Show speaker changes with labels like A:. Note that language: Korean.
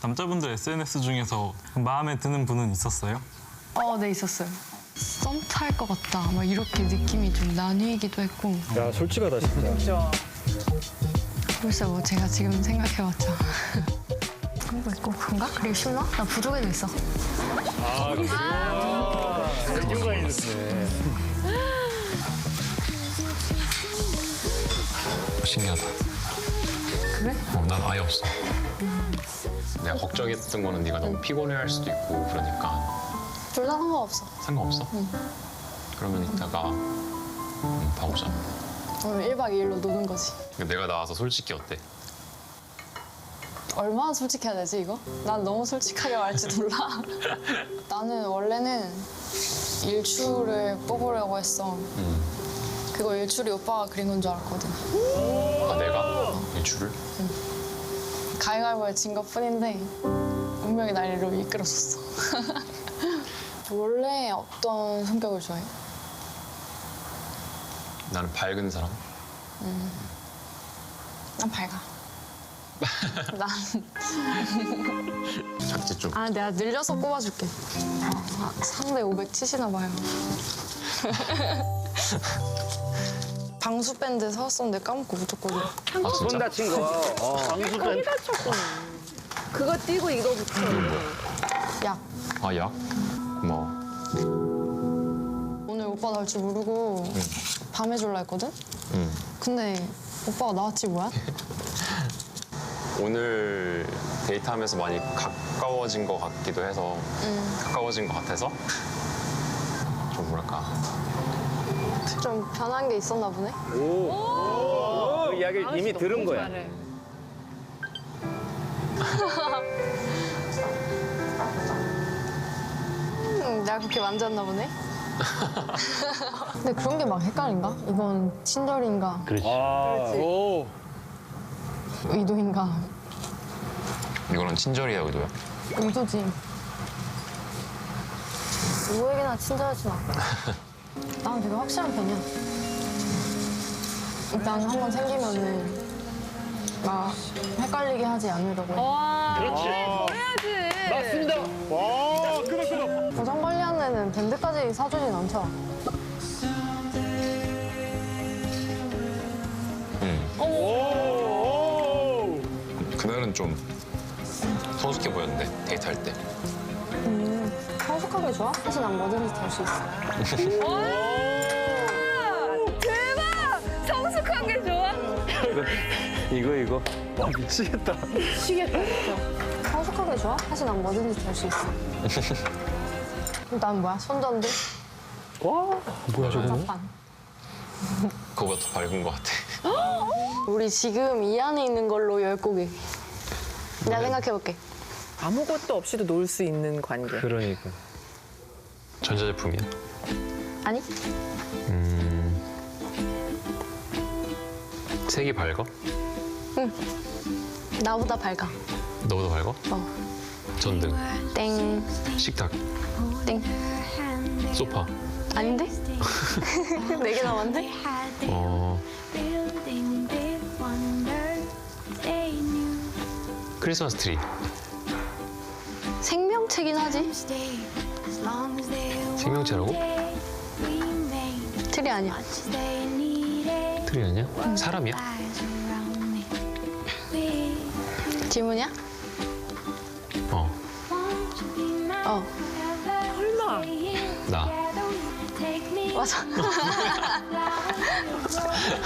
A: 남자분들 SNS 중에서 마음에 드는 분은 있었어요?
B: 네, 있었어요. 썸 탈 것 같다. 막 이렇게 느낌이 좀 나뉘기도 했고.
C: 야, 솔직하다, 진짜.
B: 글쎄 뭐 제가 지금 생각해봤자. 그런 거 있고 그런가? 그리고 신나? 나 부족해도 있어.
C: 이유가 있네.
D: 신기하다.
B: 그래?
D: 난 아예 없어. 내가 걱정했던 거는 네가 너무 피곤해할 수도 있고 그러니까
E: 둘 다 상관없어.
D: 상관없어? 그러면 이따가 밥 오자.
E: 오늘 1박 2일로 노는 거지.
D: 내가 나와서 솔직히 어때?
E: 얼마나 솔직해야 되지, 이거? 난 너무 솔직하게 말할지 몰라. 나는 원래는 일출을 뽑으려고 했어. 그거 일출이 오빠가 그린 건 줄 알았거든.
D: 아 내가? 일출을?
E: 가위바위보에 진 것뿐인데 운명이 날 이리로 이끌어줬어. 원래 어떤 성격을 좋아해?
D: 나는 밝은 사람?
E: 난 밝아. 난
D: 작지 좀.
E: 내가 늘려서 뽑아줄게. 상대 500 치시나 봐요. 방수 밴드 사왔었는데 까먹고 묻었거든.
D: 아
C: 손
D: 진짜?
C: 다친 거. 방수팬.
F: 그거 띄고 이거 붙여.
E: 약.
D: 아 약? 고마워.
E: 오늘 오빠 나올 줄 모르고 밤에 졸라 했거든? 근데 오빠가 나왔지 뭐야?
D: 오늘 데이트하면서 많이 가까워진 것 같기도 해서 가까워진 것 같아서 좀 뭐랄까
E: 좀 변한 게 있었나 보네?
C: 그 이야기를 이미 들은 거야.
E: 내가 그렇게 만졌나 보네? 근데 그런 게 막 헷갈린가? 이건 친절인가?
C: 그렇지.
E: 의도인가?
D: 이거는 친절이야 의도야?
E: 의도지. 누구에게나 친절하진 않고. 난 되게 확실한 편이야. 일단 한 번 생기면은 막 헷갈리게 하지 않으려고 해.
C: 그렇지.
F: 해야지.
C: 맞습니다. 와, 끄덕끄덕.
E: 보정 관리하는 애는 밴드까지 사주진 않더라.
C: 오.
D: 그날은 좀 성숙해 보였는데 데이트할 때.
E: 성숙하게 좋아? 사실 난 뭐든지 될 수 있어.
F: 대박! 성숙한 게 좋아?
C: 이거. 와, 미치겠다.
E: 성숙하게 좋아? 사실 난 뭐든지 될 수 있어. 난 뭐야? 손전등?
C: 와, 뭐야, 저거.
E: 장판.
D: 그거보다 더 밝은 것 같아.
E: 우리 지금 이 안에 있는 걸로 10곡이. 내가 생각해볼게.
F: 아무것도 없이도 놀 수 있는 관계.
C: 그러니까.
D: 전자제품이야?
E: 아니?
D: 색이 밝아?
E: 나보다 밝아.
D: 너보다 밝아?
E: 어.
D: 전등,
E: 땡.
D: 식탁,
E: 땡.
D: 소파.
E: 아닌데? 4개 남았는데?
D: 크리스마스 트리.
E: 생명체긴 하지?
D: 생명체라고?
E: 틀이 아니야.
D: 트리 아니야? 사람이야?
E: 질문이야?
D: 어.
E: 어.
D: 나.
E: 맞아.